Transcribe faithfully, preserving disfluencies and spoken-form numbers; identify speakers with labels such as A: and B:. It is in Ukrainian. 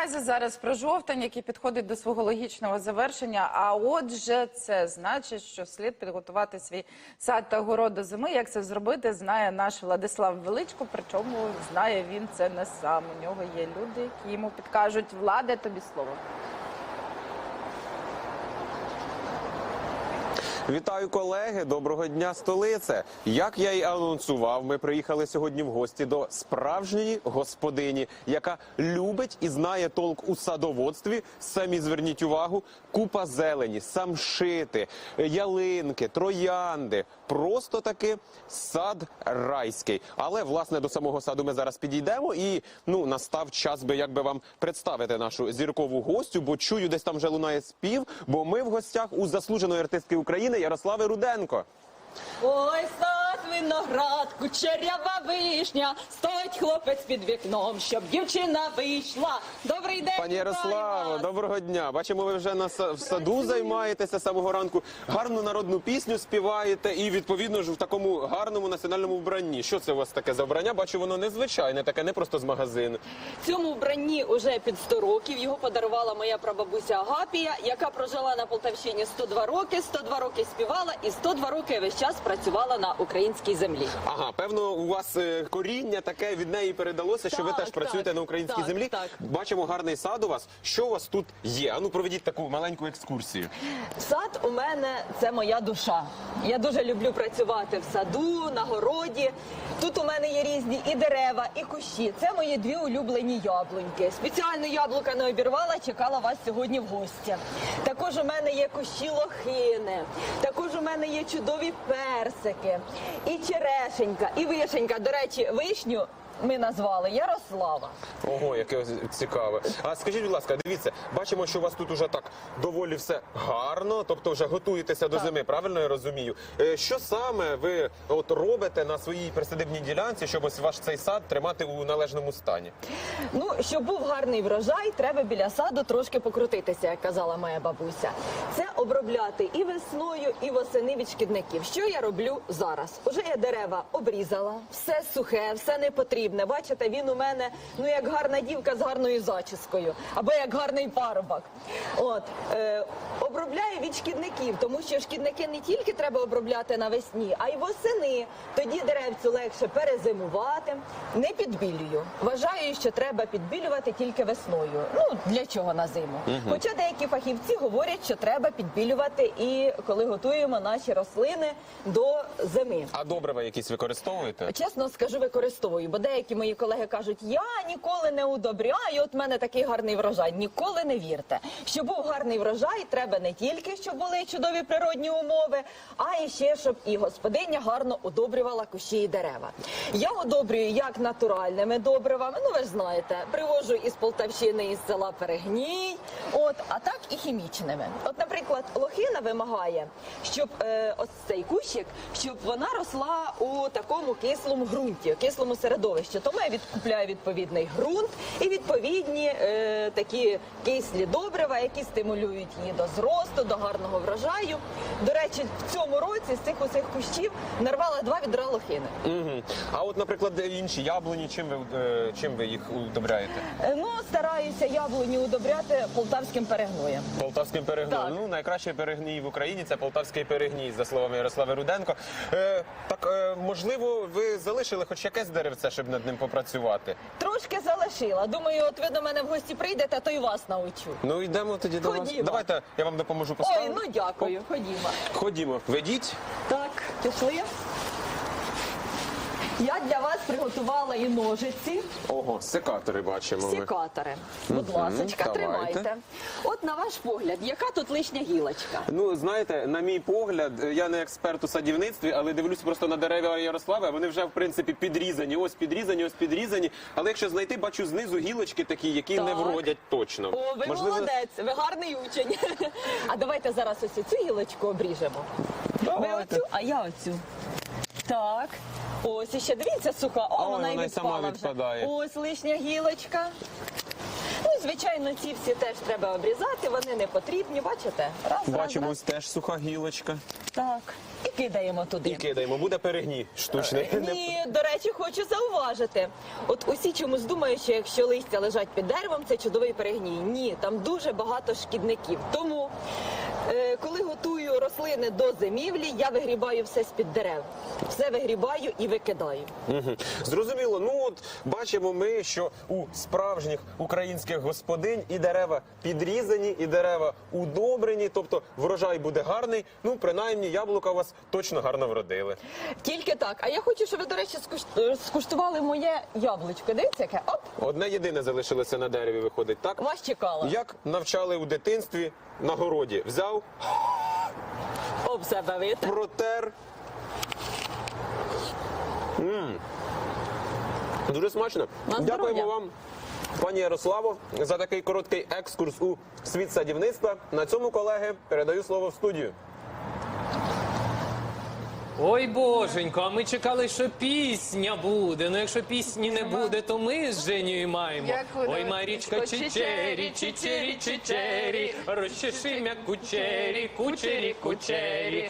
A: наразі зараз про жовтень, який підходить до свого логічного завершення. А отже, це значить, що слід підготувати свій сад та город до зими. Як це зробити, знає наш Владислав Величко. Причому знає він це не сам. У нього є люди, які йому підкажуть. Владе, тобі слово.
B: Вітаю, колеги! Доброго дня, столице! Як я й анонсував, ми приїхали сьогодні в гості до справжньої господині, яка любить і знає толк у садоводстві. Самі зверніть увагу, купа зелені, самшити, ялинки, троянди. Просто таки сад райський. Але, власне, до самого саду ми зараз підійдемо і, ну, настав час би, як би вам представити нашу зіркову гостю, бо чую, десь там вже лунає спів, бо ми в гостях у заслуженої артистки України Ярослави Руденко.
C: Ой, сад, виноград, кучерява вишня, стоїть хлопець під вікном, щоб дівчина вийшла. Добрий день,
B: Пані Ярославо, доброго дня. Бачимо, ви вже на в саду займаєтеся з самого ранку, гарну народну пісню співаєте і, відповідно ж, в такому гарному національному вбранні. Що це у вас таке за вбрання? Бачу, воно незвичайне, таке не просто з магазину.
C: Цьому вбранні уже під сто років. Його подарувала моя прабабуся Агапія, яка прожила на Полтавщині сто два роки, сто два роки співала і сто два роки весь час працювала на українській землі.
B: Ага, певно, у вас е, коріння таке від неї передалося, що
C: так,
B: ви теж
C: так,
B: працюєте на українській
C: так,
B: землі.
C: Так.
B: Бачимо гарний сад у вас. Що у вас тут є? Ану, проведіть таку маленьку екскурсію.
C: Сад у мене – це моя душа. Я дуже люблю працювати в саду, на городі. Тут у мене є різні і дерева, і кущі. Це мої дві улюблені яблуньки. Спеціально яблука не обірвала, чекала вас сьогодні в гості. Також у мене є кущі лохини. Також у мене є чудові персики, і черешенька, і вишенька. До речі, вишню ми назвали Ярослава.
B: Ого, яке цікаве. А скажіть, будь ласка, дивіться, бачимо, що у вас тут уже так доволі все гарно, тобто вже готуєтеся до
C: Так.
B: зими, правильно я розумію? Е, Що саме ви от робите на своїй присадибній ділянці, щоб ось ваш цей сад тримати у належному стані?
C: Ну, щоб був гарний врожай, треба біля саду трошки покрутитися, як казала моя бабуся. Це обробляти і весною, і восени від шкідників. Що я роблю зараз? Уже я дерева обрізала, все сухе, все не потрібне. Бачите, він у мене, ну, як гарна дівка з гарною зачіскою, або як гарний парубок. От, е, обробляю від шкідників, тому що шкідники не тільки треба обробляти навесні, а й восени. Тоді деревцю легше перезимувати. Не підбілюю. Вважаю, що треба підбілювати тільки весною. Ну, для чого на зиму? Угу. Хоча деякі фахівці говорять, що треба підбілювати і коли готуємо наші рослини до зими.
B: А добрива якісь використовуєте?
C: Чесно скажу, використовую, бо деякі мої колеги кажуть, я ніколи не удобряю, от в мене такий гарний врожай. Ніколи не вірте. Щоб був гарний врожай, треба не тільки, щоб були чудові природні умови, а і ще, щоб і господиня гарно удобрювала кущі і дерева. Я удобрюю як натуральними добривами, ну ви ж знаєте, привожу із Полтавщини, із села Перегній, от, а так і хімічними. От, наприклад, лохина вимагає, щоб е, ось цей кущик, щоб вона росла у такому кислому ґрунті, кислому середовищі. Тому я відкупляю відповідний ґрунт і відповідні е, такі кислі добрива, які стимулюють її до зросту, до гарного врожаю. До речі, в цьому році з цих усіх кущів нарвала два відра лохини.
B: Угу. А от, наприклад, інші яблуні, чим ви, е, чим ви їх удобряєте?
C: Е, ну, стараюся яблуні удобряти полтавським перегноєм.
B: Полтавським перегноєм.
C: Так.
B: Ну, найкращий перегній в Україні – це полтавський перегній, за словами Ярослави Руденко. Е, так, е, можливо, ви залишили хоч якесь деревце, щоб над ним попрацювати?
C: Трошки залишила. Думаю, от ви до мене в гості прийдете, то й вас научу.
B: Ну, йдемо тоді до вас.
C: Ходімо.
B: Давайте я вам допоможу поставити.
C: Ой, ну дякую. Ходімо.
B: Ходімо. Ведіть.
C: Так, пішли. Я для вас приготувала і ножиці,
B: Ого, секатори бачимо. ми.
C: секатори. Будь
B: Мгм,
C: ласочка,
B: давайте.
C: тримайте. От на ваш погляд, яка тут лишня гілочка?
B: Ну, знаєте, на мій погляд, я не експерт у садівництві, але дивлюсь просто на дерева Ярослави, вони вже, в принципі, підрізані. Ось підрізані, ось підрізані. Але якщо знайти, бачу знизу гілочки такі, які
C: Так.
B: не вродять точно.
C: О, ви
B: Можливо...
C: молодець, ви гарний учень. А давайте зараз ось цю гілочку обріжемо. Ви
B: Давайте.
C: оцю, а я оцю. Так. Ось іще, дивіться, суха. О,
B: Ой,
C: вона і
B: вона й сама
C: відпала вже.
B: відпадає.
C: Ось лишня гілочка. Ну, звичайно, ці всі теж треба обрізати, вони не потрібні, бачите? Раз,
B: Бачимо,
C: раз,
B: ось теж суха гілочка.
C: раз. Так. І кидаємо туди.
B: І кидаємо, буде перегній штучний.
C: Ні, до речі, хочу зауважити. От усі чомусь думають, що якщо листя лежать під деревом, це чудовий перегній. Ні, там дуже багато шкідників. Тому, е, коли готую рослини до зимівлі, я вигрібаю все з-під дерев. Все вигрібаю і викидаю.
B: Мгм. Зрозуміло. Ну от бачимо ми, що у справжніх українських господинь і дерева підрізані, і дерева удобрені, тобто врожай буде гарний. Ну, принаймні, яблука у вас точно гарно вродили.
C: Тільки так. А я хочу, щоб ви, до речі, скуш- скуштували моє яблучко. Дивіться, яке? Оп,
B: Одне єдине залишилося на дереві, виходить, так?
C: вас чекала.
B: Як навчали у дитинстві на городі? Взяв,
C: Об себе витер.
B: протер. М. Дуже смачно.
C: На
B: Дякуємо
C: здоров'я.
B: вам, пані Ярославо, за такий короткий екскурс у світ садівництва. На цьому, колеги, передаю слово в студію.
D: Ой, боженько, а ми чекали, що пісня буде. Ну, якщо пісні не буде, то ми з Женєю маємо.
A: Як буде?
D: Ой, Марічка, чичері, чичері, чичері, розчеши м'я кучері, кучері, кучері.